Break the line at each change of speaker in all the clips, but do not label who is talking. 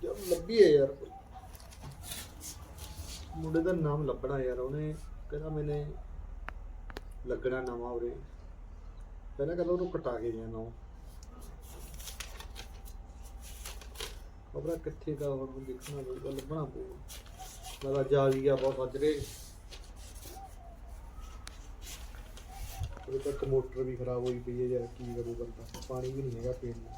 ਲੱਭੀ ਹੈ ਯਾਰ ਮੁੰਡੇ ਦਾ ਨਾਮ ਲੱਭਣਾ ਯਾਰ ਉਹਨੇ ਕਹਿੰਦਾ ਮੈਨੇ ਲੱਗਣਾ ਨਵਾਂ ਉਰੇ ਪਹਿਲਾਂ ਕਹਿੰਦਾ ਉਹਨੂੰ ਕਟਾ ਕੇ ਜਾਣਾ ਉਹ ਖਬਰਾਂ ਕਿੱਥੇ ਦਾ ਹੁਣ ਦੇਖਣਾ ਪਊਗਾ ਲੱਭਣਾ ਪਊਗਾ ਮੈਂ ਜਾ ਗਿਆ ਬਹੁਤ ਸੱਜਰੇ ਉਹਦੇ ਤੱਕ ਮੋਟਰ ਵੀ ਖਰਾਬ ਹੋਈ ਪਈ ਹੈ ਯਾਰ ਕੀ ਕਰੂ ਬੰਦਾ ਪਾਣੀ ਵੀ ਨਹੀਂ ਹੈਗਾ ਪੀਣ ਨੂੰ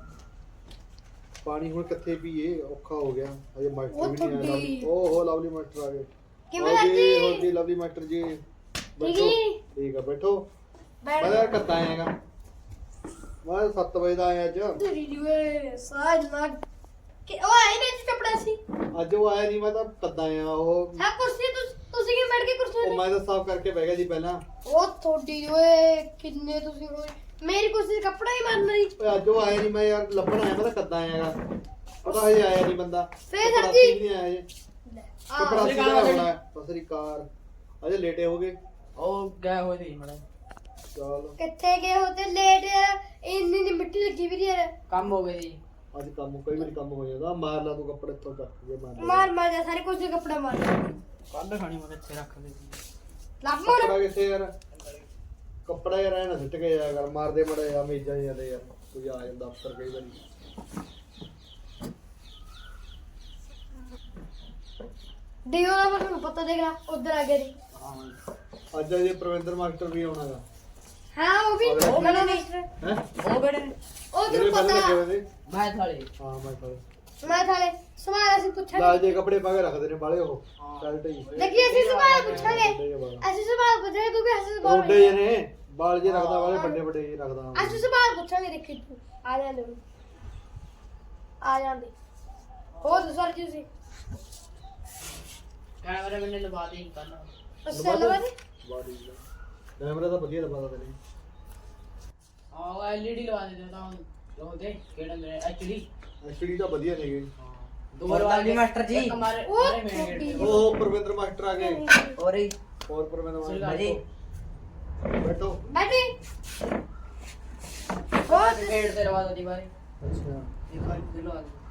ਪਾਣੀ ਹੁਣ ਕਿੱਥੇ ਪੀਏ ਔਖਾ ਹੋ ਗਿਆ ਅਜੇ ਮਾਸਟਰ ਵੀ ਨਹੀਂ ਆਇਆ ਓਹੋ ਲਵਲੀ ਮਾਸਟਰ ਆ ਗਏ ਕਿਵੇਂ ਹੋ ਜੀ ਲਵਲੀ ਮਾਸਟਰ ਜੀ ਬੈਠੋ ਠੀਕ ਆ ਬੈਠੋ ਮੈਂ ਕੱਤਾ ਆਏਗਾ ਮੈਂ 7 ਵਜੇ ਦਾ ਆਇਆ ਅੱਜ
ਤੇਰੀ ਜੂਏ ਸਾਜ ਲੱਗ ਕਿ ਉਹ ਆਏ ਨੇ ਕੱਪੜਾ ਸੀ
ਅੱਜ ਉਹ ਆਇਆ ਨਹੀਂ ਮੈਂ ਤਾਂ ਕੱਦਾ ਆਇਆ ਉਹ
ਹਾਂ ਕੁਰਸੀ ਤੁਸੀਂ ਕਿ ਬੈਠ ਕੇ ਕੁਰਸੀ
ਉਹ ਮੈਂ ਤਾਂ ਸਾਫ਼ ਕਰਕੇ ਬਹਿ ਗਿਆ ਜੀ ਪਹਿਲਾਂ
ਉਹ ਥੋੜੀ ਓਏ ਕਿੰਨੇ ਤੁਸੀਂ ਹੋਏ ਮੇਰੀ ਕੁਰਸੀ ਤੇ ਕੱਪੜਾ ਹੀ ਮਾਰਨ ਲਈ
ਓਏ ਅੱਜ ਉਹ ਆਇਆ ਨਹੀਂ ਮੈਂ ਯਾਰ ਲੱਭਣ ਆਇਆ ਮੈਂ ਤਾਂ ਕੱਦਾ ਆਇਆਗਾ ਪਤਾ ਹਜੇ ਆਇਆ ਨਹੀਂ ਬੰਦਾ
ਫੇਰ ਸਰ ਜੀ
ਨਹੀਂ ਆਇਆ ਜੀ ਕੱਪੜਾ ਸੀ ਦਾ ਹੋਣਾ ਸਸਰੀ ਕਾਰ ਅਜੇ ਲੇਟੇ ਹੋ ਗਏ
ਉਹ ਗਏ ਹੋਏ ਸੀ ਮੜਾ
ਚਲ
ਕਿੱਥੇ ਗਏ ਹੋ ਤੇ ਲੇਟ ਇੰਨੀ ਨੀ ਮਿੱਟੀ ਲੱਗੀ ਵੀ ਯਾਰ
ਕੰਮ ਹੋ ਗਏ ਜੀ
ਅੱਜ ਕੰਮ ਕਈ ਵਾਰੀ ਕੰਮ ਹੋ ਜਾਂਦਾ ਮਾਰ ਲਾ ਤੂੰ ਕੱਪੜੇ ਇੱਥੋਂ ਚੱਕ ਕੇ
ਮਾਰ ਜਾ ਸਾਰੇ ਕੁਰਸੀ ਕੱਪੜਾ ਮਾਰ
ਕੱਲ ਖਾਣੀ ਮੈਂ ਇੱਥੇ ਰੱਖ ਦੇ ਸੀ
ਲੱਭ ਮੋਰ
ਕੱਪੜਾ ਕਿੱਥੇ ਯਾਰ ਕੱਪੜਾ ਯਾਰ ਐਂ ਨਾ ਸਿੱਟ ਕੇ ਜਾਇਆ ਕਰ ਮਾਰਦੇ ਮੜੇ ਆ ਮੇਜਾਂ ਜਾਂਦੇ ਯਾਰ ਕੋਈ ਆ ਜਾਂਦਾ ਅਫਸਰ ਕਈ ਵਾਰੀ
ਦਿਓ ਦਾ ਮੈਨੂੰ ਪਤਾ ਦੇਖ ਲੈ ਉਧਰ ਆ ਗਿਆ ਜੀ
ਅੱਜ ਅਜੇ ਪ੍ਰਵਿੰਦਰ ਮਾਸਟਰ ਵੀ ਆਉਣਾਗਾ
ਹਾਂ ਉਹ ਵੀ ਉਹ ਗਣਾ ਮਾਸਟਰ
ਹੈ
ਉਹ ਕਿਹੜੇ
ਉਹ ਤੈਨੂੰ ਪਤਾ
ਮੈਂ ਥਾਲੇ
ਹਾਂ ਮੈਂ
ਮੈਂ ਥਾਲੇ ਸਵਾਲ ਅਸੀਂ ਪੁੱਛਾਂਗੇ
ਲਾਲ ਜੇ ਕੱਪੜੇ ਪਾ ਕੇ ਰੱਖਦੇ ਨੇ ਬਾਲੇ ਉਹ ਚੱਲ ਢਈ
ਦੇਖੀ ਅਸੀਂ ਸਵਾਲ ਪੁੱਛਾਂਗੇ ਅਸੀਂ ਸਵਾਲ ਪੁੱਛਾਂਗੇ ਕਿਉਂਕਿ ਅਸੀਂ ਸਵਾਲ
ਰੋਡੇ ਜੇ ਨੇ ਬਾਲ ਜੇ ਰੱਖਦਾ ਵਾਲੇ ਵੱਡੇ ਵੱਡੇ ਜੇ ਰੱਖਦਾ
ਅਸੀਂ ਸਵਾਲ ਪੁੱਛਾਂਗੇ ਦੇਖੀ ਤੂੰ ਆ ਜਾਂਦੇ ਆ ਜਾਂਦੇ ਹੋਰ ਸਰ ਜੀ ਸੀ
ਕੈਮਰੇ ਮੈਨੇ ਲਵਾ ਦੇ ਕੱਲ
ਅੱਛਾ ਲਵਾ ਦੇ
ਬਾਡੀ ਕੈਮਰਾ ਤਾਂ ਵਧੀਆ ਲਵਾਦਾ ਤੈਨੂੰ
ਉਹ ਐਲਈਡੀ ਲਵਾ ਦੇ ਤਾਂ ਲੋ ਦੇ ਕਿਹੜਾ ਮੇਰੇ
ਐਚਡੀ ਤਾਂ ਵਧੀਆ ਨੇਗੇ
ਦੋ ਵਾਲੀ ਮਾਸਟਰ ਜੀ ਹਮਾਰੇ
ਉਹ ਪ੍ਰਵਿੰਦਰ ਮਾਸਟਰ ਆ ਗਏ
ਔਰੇ
ਹੋਰ ਪ੍ਰਵਿੰਦਰ ਮਾਸਟਰ ਜੀ ਬੈਠੋ
ਬੈਠੀ ਹੋਰ
ਗੇਟ ਤੇ ਲਵਾ ਦੋ ਦੀ ਬਾਰੇ
ਅੱਛਾ
ਇੱਕ ਵਾਰ ਲਵਾ ਦੇ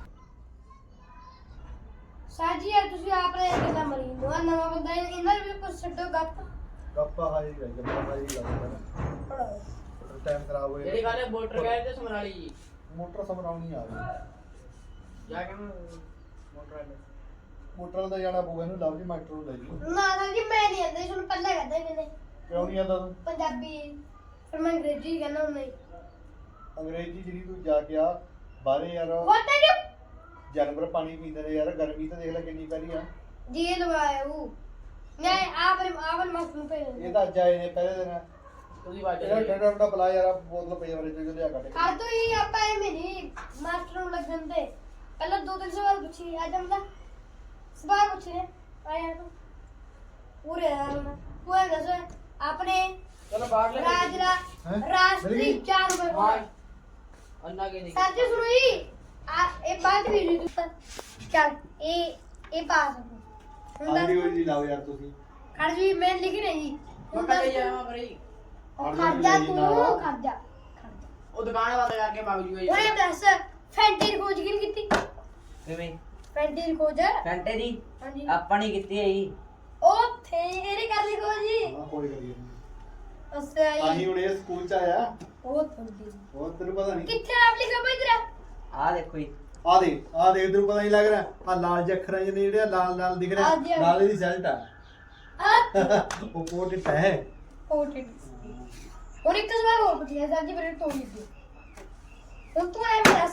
ਸਾਜੀ ਯਾਰ ਤੁਸੀਂ ਆਪ ਨੇ ਕਿੰਨਾ ਮਰੀ ਦੋ ਨਵਾਂ ਬੰਦਾ ਇਹਨਾਂ ਨੂੰ ਵੀ ਕੁਝ ਛੱਡੋ ਗੱਪ
ਗੱਪਾ ਹਾਜੀ ਰਹਿ ਗਿਆ ਹਾਜੀ ਲੱਗਦਾ
ਪੜਾਓ
ਟਾਈਮ ਖਰਾਬ ਹੋਇਆ
ਜਿਹੜੀ ਗੱਲ ਮੋਟਰ ਗਏ ਤੇ ਸਮਰਾਲੀ ਜੀ
ਮੋਟਰ ਸਮਰਾਉਣੀ ਆ ਗਈ
ਜਾ ਕੇ ਮੋਟਰ ਵਾਲੇ
ਮੋਟਰ ਦਾ ਜਾਣਾ ਪਊਗਾ ਇਹਨੂੰ ਲਵਲੀ ਮਾਸਟਰ ਨੂੰ ਲੈ ਜੀ
ਨਾ ਨਾ ਜੀ ਮੈਂ ਨਹੀਂ ਆਂਦਾ ਤੁਹਾਨੂੰ ਪਹਿਲਾਂ ਕਹਿੰਦਾ ਮੈਨੇ
ਕਿਉਂ ਨਹੀਂ ਆਂਦਾ ਤੂੰ
ਪੰਜਾਬੀ ਫਿਰ ਮੈਂ ਅੰਗਰੇਜ਼ੀ ਕਹਿੰਦਾ ਹੁੰਦਾ ਹੀ
ਅੰਗਰੇਜ਼ੀ ਜਿਹੜੀ ਤੂੰ ਜਾ ਕੇ ਆ ਬਾਹਰੇ ਯਾਰ
ਵਾਟ ਆਰ ਯੂ
ਜਾਨਵਰ ਪਾਣੀ ਪੀਂਦੇ ਨੇ ਯਾਰ ਗਰਮੀ ਤਾਂ ਦੇਖ ਲੈ ਕਿੰਨੀ ਪੈ ਰਹੀ ਆ
ਜੀ ਲਵਾਇਆ ਉਹ ਨਹੀਂ ਆਵਰ ਮਸਨੂੰ ਪੇ
ਇਹ ਤਾਂ ਅੱਜ ਆਏ ਨੇ ਪਹਿਲੇ ਦਿਨ
ਤੁਸੀਂ ਵਾਜ
ਇਹਦਾ ਠੰਡਾ ਠੰਡਾ ਬੁਲਾ ਯਾਰ ਬੋਤਲ ਪਈ ਵਾਲੇ ਤੇ ਲਿਆ ਕੱਢ ਕੇ
ਕਰ ਦੋ ਹੀ ਆਪਾਂ ਇਹ ਮੇਰੀ ਮਾਸਟਰ ਨੂੰ ਲੱਗਣ ਦੇ ਪਹਿਲਾਂ ਦੋ ਤਿੰਨ ਸਵਾਲ ਪੁੱਛੀ ਅੱਜ ਹਮਦਾ ਸਵਾਲ ਪੁੱਛ ਰਹੇ ਆਇਆ ਤੂੰ ਪੂਰੇ ਕੋਈ ਦੱਸ ਆਪਣੇ
ਚਲੋ ਬਾਹਰ ਲੈ
ਰਾਸ਼ਟਰੀ ਜਾਨਵਰ ਕੌਣ
ਅੰਨਾ ਕੇ ਨਹੀਂ
ਸੱਚ ਸੁਣੋਈ ਇਹ ਬਾਤ ਵੀ ਨਹੀਂ ਤੂੰ ਚੱਲ ਇਹ ਬਾਤ
ਆਂਦੀ ਹੋਈ ਜੀ ਲਾਓ ਯਾਰ ਤੁਸੀਂ
ਖੜ ਜੀ ਮੈਂ ਲਿਖ ਰਹੀ ਜੀ
ਮੈਂ ਪਹਿਲੇ ਜਾਵਾਂ ਭਰੀ
ਖਰਜਾ ਤੂੰ ਖਰਜਾ
ਉਹ ਦੁਕਾਨ ਬੰਦ ਕਰਕੇ ਮਗ ਜੂ ਗਈ
ਉਹਨੇ ਦੱਸ ਫੈਂਟੀ ਦੀ ਖੋਜ ਕਿਹਨੇ ਕੀਤੀ
ਕਿਵੇਂ
ਫੈਂਟੀ ਦੀ ਖੋਜ
ਘੰਟੇ ਦੀ
ਹਾਂਜੀ
ਆਪਾਂ ਨਹੀਂ ਕੀਤੀ ਆਈ
ਉਹ ਥੇ ਇਹਨੇ ਕਰ ਲਈ ਖੋਜ ਜੀ
ਹਾਂ ਕੋਈ ਕਰੀਏ
ਅੱਛਾ
ਆਹੀ ਹੁਣ ਇਹ ਸਕੂਲ ਚ ਆਇਆ
ਉਹ ਥੋੜੀ
ਹੋਰ ਤੈਨੂੰ ਪਤਾ ਨਹੀਂ
ਕਿੱਥੇ ਨਾਮ ਲਿਖਿਆ ਬਈ ਤੇਰਾ
ਆ ਦੇਖੋ ਜੀ
ਆ ਦੇ ਤੈਨੂੰ ਪਤਾ ਨਹੀਂ ਲੱਗ ਰਿਹਾ ਆ ਲਾਲ ਜਿਹੇ ਅੱਖਰਾਂ ਜਿਹੇ ਨੇ ਜਿਹੜੇ ਲਾਲ ਲਾਲ ਦਿਖ ਰਿਹਾ
ਹਾਂਜੀ, ਹਾਂਜੀ।
ਲਾਲ ਦੀ ਰਿਜ਼ਲਟ ਆ
ਆ
ਉਹ ਪੋਰਟਰੇਟ ਹੈ
ਪੋਰਟਰੇਟ ਹੁਣ ਇੱਕ ਸਵਾਲ ਹੋਰ ਪੁੱਛਿਆ ਸਰ ਜੀ ਮੇਰੇ ਤੋਂ ਲਿਖ ਦਿਓ ਹੁਣ ਤੂੰ ਐ ਦੱਸ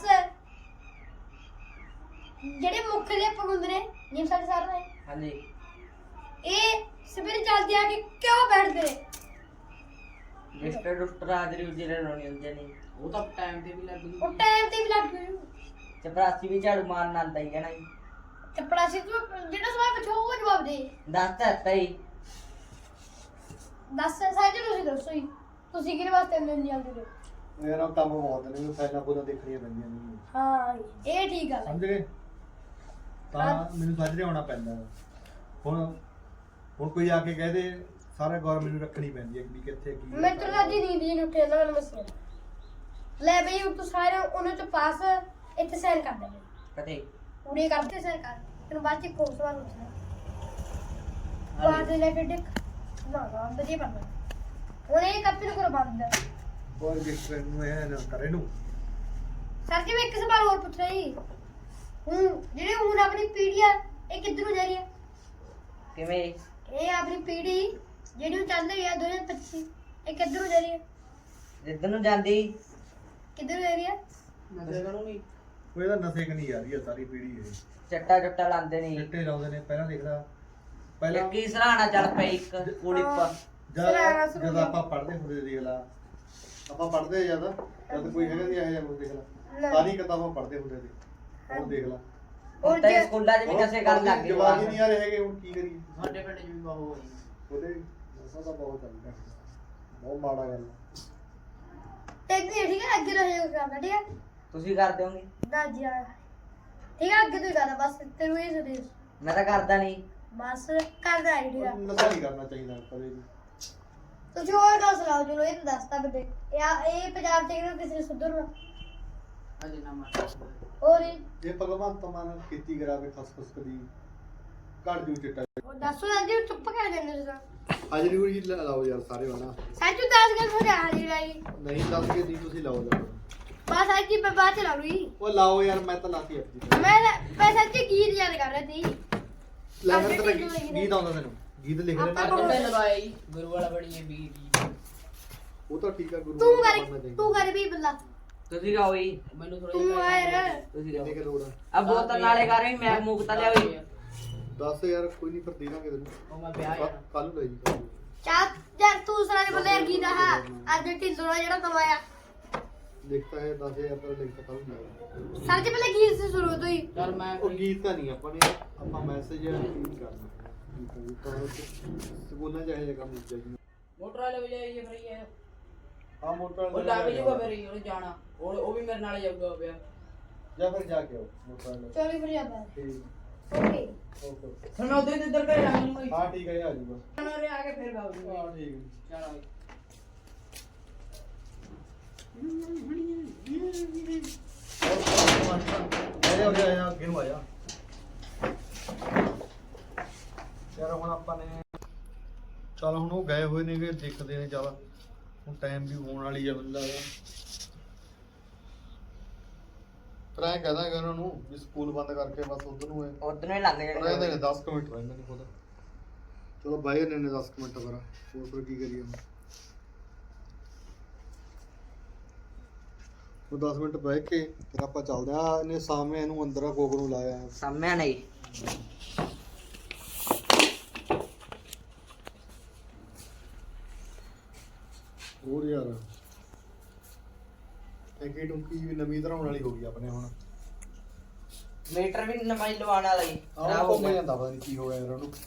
ਜਿਹੜੇ ਮੁੱਖ ਅਧਿਆਪਕ ਹੁੰਦੇ ਨੇ ਜਿਵੇਂ ਸਾਡੇ ਸਰ ਨੇ
ਹਾਂਜੀ
ਇਹ ਸਵੇਰੇ ਜਲਦੀ ਆ ਕੇ ਕਿਉਂ ਬੈਠਦੇ ਨੇ
ਰਜਿਸਟਰ ਡਾਕਟਰ ਆਦਰੀ ਜਿਹੜੇ ਲਾਉਣੀ ਹੁੰਦੇ ਨੇ
ਉਹ ਤਾਂ ਟਾਈਮ ਤੇ ਵੀ ਲੱਗ ਗਈ
ਉਹ ਟਾਈਮ ਤੇ ਵੀ ਲੱਗ ਗਏ
ਚਪਰਾਸੀ ਵੀ ਝਾੜੂ ਮਾਰਨ ਆਂਦਾ ਹੀ ਕਹਿਣਾ ਜੀ
ਚੱਪੜਾ ਸੀ ਤੂੰ ਜਿਹੜਾ ਸਵਾਲ ਪੁੱਛੋ ਉਹ ਜਵਾਬ ਦੇ
ਦੱਸ ਤਾਂ ਦਿੱਤਾ ਹੀ
ਦੱਸ ਸਾਜੇ ਤੁਸੀਂ ਦੱਸੋ ਹੀ ਤੁਸੀਂ ਕਿਹਦੇ ਵਾਸਤੇ ਨਹੀਂ ਆਉਂਦੇ ਹੋ
ਯਾਰ ਉਹ ਕੰਮ ਬਹੁਤ ਨੇ ਫਾਈਲਾਂ ਫੂਲਾਂ ਦੇਖਣੀਆਂ ਪੈਂਦੀਆਂ ਨੇ
ਹਾਂ ਇਹ ਠੀਕ ਗੱਲ ਹੈ
ਸਮਝ ਗਏ ਤਾਂ ਮੈਨੂੰ ਸਾਜਰੇ ਆਉਣਾ ਪੈਂਦਾ ਹੁਣ ਕੋਈ ਆ ਕੇ ਕਹਿ ਦੇ ਸਾਰਾ ਗੌਰ ਮੈਨੂੰ ਰੱਖਣੀ ਪੈਂਦੀ ਹੈ ਵੀ ਕਿੱਥੇ ਕੀ
ਮੈਂ ਤਾਂ ਅੱਜ ਨੀਂਦ ਜੀ ਉੱਠੇ ਜਾਂਦਾ ਮੈਨੂੰ ਮਸਲਾ ਲੈ ਬਈ ਤੂੰ ਸਾਰੇ ਉਹਨਾਂ ਚ ਪਾਸ ਇੱਥੇ ਸਾਈਨ ਕਰ ਦੇ
ਕਦੇ
ਪੂਰੇ ਕਰਦੇ ਸਰਕਾਰ ਤੈਨੂੰ ਬਾਅਦ ਚ ਕੋਲ ਸਵਾਲ ਪੁੱਛਣਾ ਬਾਅਦ ਰਿਲੇਟਡ ਨਾ ਵਧੀਆ ਪੜਨਾ ਹੁਣ ਇਹ ਕਾਪੀ ਨੂੰ ਕਰੋ ਬੰਦ
ਹੋਰ ਰਜਿਸਟਰ ਨੂੰ ਇਹ ਨਾ ਕਰੇ ਨੂੰ
ਸਰ ਜੀ ਮੈਂ ਇੱਕ ਸਵਾਲ ਹੋਰ ਪੁੱਛਣਾ ਜੀ ਹੁਣ ਜਿਹੜੇ ਹੁਣ ਆਪਣੀ ਪੀੜ੍ਹੀ ਆ ਇਹ ਕਿੱਧਰ ਨੂੰ ਜਾ ਰਹੀ ਹੈ
ਕਿਵੇਂ
ਇਹ ਆਪਣੀ ਪੀੜ੍ਹੀ ਜਿਹੜੀ ਹੁਣ ਚੱਲ ਰਹੀ ਹੈ 2025 ਇਹ ਕਿੱਧਰ ਨੂੰ ਜਾ ਰਹੀ ਹੈ
ਜਿੱਦਨ ਨੂੰ ਜਾਂਦੀ
ਕਿੱਧਰ ਨੂੰ ਜਾ ਰਹੀ ਹੈ
ਨਸ਼ੇ ਕਰੂੰਗੀ
ਉਹ ਇਹਦਾ ਨਸ਼ੇ ਕਨੀ ਆ ਰਹੀ ਹੈ ਸਾਰੀ ਪੀੜ੍ਹੀ ਇਹ
ਚੱਟਾ ਚੁੱਟਾ ਲਾਉਂਦੇ ਨਹੀਂ
ਚਿੱਟੇ ਲਾਉਂਦੇ ਨੇ ਪਹਿਲਾਂ ਦੇਖਦਾ ਪਹਿਲਾਂ
ਇੱਕ ਹੀ ਸਰਾਣਾ ਚੱਲ ਪਈ ਇੱਕ ਕੁੜੀ ਪਾ
ਜਦ ਆਪਾਂ ਪੜ੍ਹਦੇ ਹੁੰਦੇ ਦੇਖ ਲਾ ਆਪਾਂ ਪੜ੍ਹਦੇ ਜਿਆਦਾ ਜਦ ਕੋਈ ਹੈਗਾ ਨਹੀਂ ਆਇਆ ਉਹ ਦੇਖ ਲਾ ਸਾਰੀ ਕਿਤਾਬਾਂ ਪੜ੍ਹਦੇ ਹੁੰਦੇ ਸੀ ਹੁਣ ਦੇਖ ਲਾ
ਹੁਣ ਤਾਂ ਸਕੂਲਾਂ 'ਚ ਵੀ ਨਸ਼ੇ ਕਰਨ ਲੱਗ ਗਏ
ਜਵਾਬ ਹੀ ਨਹੀਂ ਆ ਰਹੇ ਹੈਗੇ ਹੁਣ ਕੀ ਕਰੀਏ
ਸਾਡੇ ਪਿੰਡ 'ਚ ਵੀ ਬਹੁਤ ਹੋਈ
ਉਹਦੇ ਨਸ਼ਾ ਤਾਂ ਬਹੁਤ ਚੱਲਦਾ ਬਹੁਤ ਮਾੜਾ ਗੱਲ ਆ।
ਤੇ ਇਹ ਠੀਕ ਹੈ ਅੱਗੇ ਰਹੇ ਕਰਦਾ ਠੀਕ ਹੈ
ਤੁਸੀਂ ਕਰ ਦਿਓਗੇ
ਨਾ ਜੀ ਠੀਕ ਹੈ ਅੱਗੇ ਤੋਂ ਹੀ ਕਰਦਾ ਬਸ ਤੈਨੂੰ ਇਹ ਸੁਦੇ
ਮੈਂ ਤਾਂ ਕਰਦਾ ਨਹੀਂ
ਬਸ ਕਰਦਾ ਹੈ ਠੀਕ ਹੈ
ਨਸ਼ਾ ਨਹੀਂ ਕਰਨਾ ਚਾਹੀਦਾ ਕਦੇ ਵੀ
ਤੁਸੀਂ ਹੋਰ ਗੱਲ ਸੁਣਾਓ ਚਲੋ ਇਹ ਤਾਂ ਦੱਸਤਾ ਬੰਦੇ ਇਹ ਪੰਜਾਬ ਚ ਕਿਹਨੂੰ ਕਿਸੇ ਨੇ ਸੁਧਰਨਾ
ਅਜੇ ਨਾ ਮਾਰ
ਹੋਰ ਇਹ
ਜੇ ਭਗਵੰਤ ਮਾਨ ਖੇਤੀ ਕਰਾਵੇ ਖਸਖਸ ਕਦੀ ਘੜ ਜੂ ਚਿੱਟਾ
ਦੱਸੋ ਨਾ ਜੀ ਚੁੱਪ ਕਰ ਜਾਂਦੇ ਤੁਸੀਂ
ਹਾਜ਼ਰੀ ਹੁਰੀ ਲਾਓ ਯਾਰ ਸਾਰੇ ਵਾਲਾ
ਸੱਚੂ ਦੱਸ ਗੱਲ ਹੋ ਜਾ ਹਾਜ਼ਰੀ ਲਾਈ
ਨਹੀਂ ਦੱਸ ਕੇ ਨਹੀਂ ਤੁਸੀਂ ਲਾਓ ਲਾਓ
ਬਸ ਅੱਜ ਦੀ ਬਾਅਦ ਚ ਲਾ ਲੂਈ
ਉਹ ਲਾਓ ਯਾਰ ਮੈਂ ਤਾਂ ਲਾਤੀ ਆਪਣੀ
ਮੈਂ ਸੱਚੀ ਗੀਤ ਯਾਦ ਕਰ ਰਹੀ ਸੀ
ਲੈ ਫਿਰ ਤੇਰਾ ਗੀਤ ਆਉਂਦਾ ਤੈਨੂੰ ਗੀਤ ਲਿਖ ਲੈਣਾ
ਕੰਡੇ ਲਵਾਈ ਗੁਰੂ ਵਾਲਾ ਬਣੀ ਵੀ
ਉਹ ਤਾਂ ਠੀਕ ਆ ਗੁਰੂ
ਤੂੰ ਕਰ ਵੀ ਬੱਲਾ
ਤੁਸੀਂ ਗਾਓ ਜੀ
ਮੈਨੂੰ ਥੋੜਾ
ਤੂੰ ਆ ਯਾਰ
ਤੁਸੀਂ
ਕਿੰਨੇ
ਗਾਓ
ਕੇ ਲੋੜ ਆ
ਆ ਬੋਤਲ ਨਾਲੇ ਕਰ ਵੀ ਮੈਂ ਮੁਕਤਾ ਲਿਆਈ
ਦੱਸ ਯਾਰ ਕੋਈ ਨਹੀਂ ਫਿਰ ਦੇ ਦਾਂਗੇ ਤੈਨੂੰ
ਉਹ ਮੈਂ ਵਿਆਹ ਜਾਣਾ
ਕੱਲ ਨੂੰ ਲੈ ਜੀ
ਚਾਹ ਯਾਰ ਤੂੰ ਸਾਰੇ ਬੱਲੇ ਯਾਰ ਗੀਤ ਆ ਅੱਜ ਢਿੱਲੋਂ ਜਿਹੜਾ ਕਮਾਇਆ
ਲਿਖਤਾ ਹੈ 10000 ਤਾਂ ਲਿਖਤਾ ਕੱਲ ਨੂੰ ਲੈ
ਸਰ ਜੀ ਪਹਿਲੇ ਗੀਤ ਸੇ ਸ਼ੁਰੂ ਤੋਂ ਹੀ
ਚਲ ਮੈਂ
ਉਹ ਗੀਤ ਤਾਂ ਨਹੀਂ ਆਪਾਂ ਨੇ ਆਪਾਂ ਮੈਸੇਜ ਫੀਡ ਕਰਨਾ ਗੀਤ ਤਾਂ ਸਕੂਲਾਂ ਚਾਹੇ ਜਗ੍ਹਾ ਮਿਲ ਜਾਏਗੀ
ਮੋਟਰ ਵਾਲੇ ਵੀ ਜਾਈਏ ਫਿਰ ਇਹ
ਆ ਮੋਟਰ
ਉਹ ਲੱਗ ਜੂਗਾ ਫਿਰ ਉਹਨੇ ਜਾਣਾ ਉਹ ਵੀ ਮੇਰੇ ਨਾਲ ਜਾਊਗਾ ਪਿਆ
ਜਾ ਫਿਰ ਜਾ ਕੇ ਆਓ ਮੋਟਰ ਵਾਲੇ
ਚੋਰੀ ਫਿਰ ਜਾਂਦਾ
ਠੀਕ
ਓਕੇ
ਓਕੇ
ਫਿਰ ਮੈਂ ਉਧਰ ਇੱਧਰ ਘਰੇ ਜਾਊਂਗਾ
ਹਾਂ ਠੀਕ ਹੈ ਆ ਜੂਗਾ
ਮੈਂ ਆ ਕੇ ਫਿਰ ਗਾਉਂਗਾ
ਹਾਂ ਠੀਕ ਹੈ
ਚਲ
ਆਇਆ ਹੋ ਗਿਆ ਅੱਗੇ ਨੂੰ ਆਇਆ ਯਾਰ ਹੁਣ ਆਪਾਂ ਨੇ ਚਲ ਹੁਣ ਉਹ ਗਏ ਹੋਏ ਨੇਗੇ ਦੇਖਦੇ ਨੇ ਚੱਲ ਹੁਣ ਟਾਈਮ ਵੀ ਹੋਣ ਵਾਲੀ ਆ ਬੰਦਾ ਦਾ ਟਰਾਈ ਕਹਦਾਂਗੇ ਉਹਨਾਂ ਨੂੰ ਵੀ ਸਕੂਲ ਬੰਦ ਕਰਕੇ ਬਸ ਉਧਰ ਨੂੰ
ਉਧਰ ਨੂੰ ਹੀ ਲੰਘ
ਰਹਿੰਦੇ
ਜਾਣਗੇ
ਨੇ 10 ਮਿੰਟ ਰਹਿੰਦੇ ਨੇ ਖੁਦ ਚਲੋ ਬਾਈ ਨੇ 10 ਮਿੰਟ ਹੋਰ ਕੀ ਕਰੀਏ ਉਹ 10 ਮਿੰਟ ਬਹਿ ਕੇ ਫਿਰ ਆਪਾਂ ਚੱਲਦੇ ਆ ਇਹਨੇ ਸਾਹਮਣੇ ਇਹਨੂੰ ਅੰਦਰ ਆ ਕੋਕ ਨੂੰ ਲਾਇਆ
ਸਾਹਮਣੇ ਨਹੀਂ
ਹੋਰ ਯਾਰ ਟੈਂਕੀ ਟੁੰਕੀ ਵੀ ਨਵੀਂ ਧਰਾਉਣ ਵਾਲੀ ਹੋ ਗਈ ਆਪਣੇ ਹੁਣ
ਮੀਟਰ ਵੀ ਨਵਾਂ ਹੀ ਲਵਾਉਣ ਵਾਲਾ ਹੀ
ਆਹ ਘੁੰਮ ਜਾਂਦਾ ਪਤਾ ਨਹੀਂ ਕੀ ਹੋ ਗਿਆ ਯਾਰ ਉਹਨੂੰ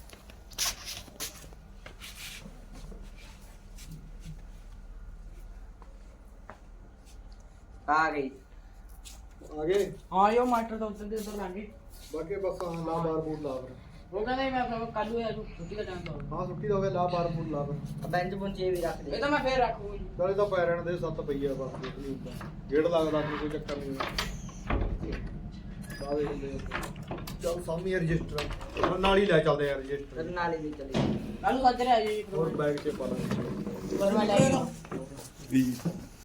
ਆ ਗਈ
ਆ ਗਏ
ਹਾਂ ਯੋ ਮਾਸਟਰ ਤਾਂ ਉੱਧਰ ਦੇ ਉੱਧਰ ਲੰਘ ਗਈ
ਬਾਕੀ ਬਸ ਹਾਂ ਲਾ ਬਾਰ ਬੂਰ ਲਾ ਫਿਰ
ਉਹ ਕਹਿੰਦਾ ਸੀ ਮੈਂ ਕੱਲ ਨੂੰ ਆ ਜੂ ਛੁੱਟੀ ਦਾ ਟਾਈਮ ਤਾਂ
ਹਾਂ ਛੁੱਟੀ ਦਾ ਹੋ ਗਿਆ ਲਾ ਬਾਰ ਬੂਰ ਲਾ ਫਿਰ
ਬੈਂਚ ਬੁੰਚ ਇਹ ਵੀ ਰੱਖ ਦੇ
ਇਹ ਤਾਂ ਮੈਂ ਫੇਰ ਰੱਖੂਗਾ ਜੀ
ਨਾਲੇ ਤਾਂ ਪੈ ਰਹਿਣ ਦੇ 7 ਪਈਆ ਬਸ ਕੁਛ ਨਹੀਂ ਹੁੰਦਾ ਗੇੜ ਲੱਗਦਾ ਨਹੀਂ ਕੋਈ ਚੱਕਰ ਨਹੀਂ ਬਾਦੇ ਹੁੰਦੇ ਚੱਲ ਸਾਹਮਣੇ ਰਜਿਸਟਰ ਨਾਲ ਹੀ ਲੈ ਚੱਲਦੇ ਯਾਰ
ਫਿਰ
ਰਜਿਸਟਰ
ਨਾਲੇ ਵੀ ਚਲੀ
ਕੱਲ ਨੂੰ ਸੱਜਰੇ ਆ ਜੀ
ਹੋਰ ਬੈਗ 'ਚ ਪਾ ਲਾਂਗੇ
ਪਰ ਮੈਂ ਲੈ ਕੇ
20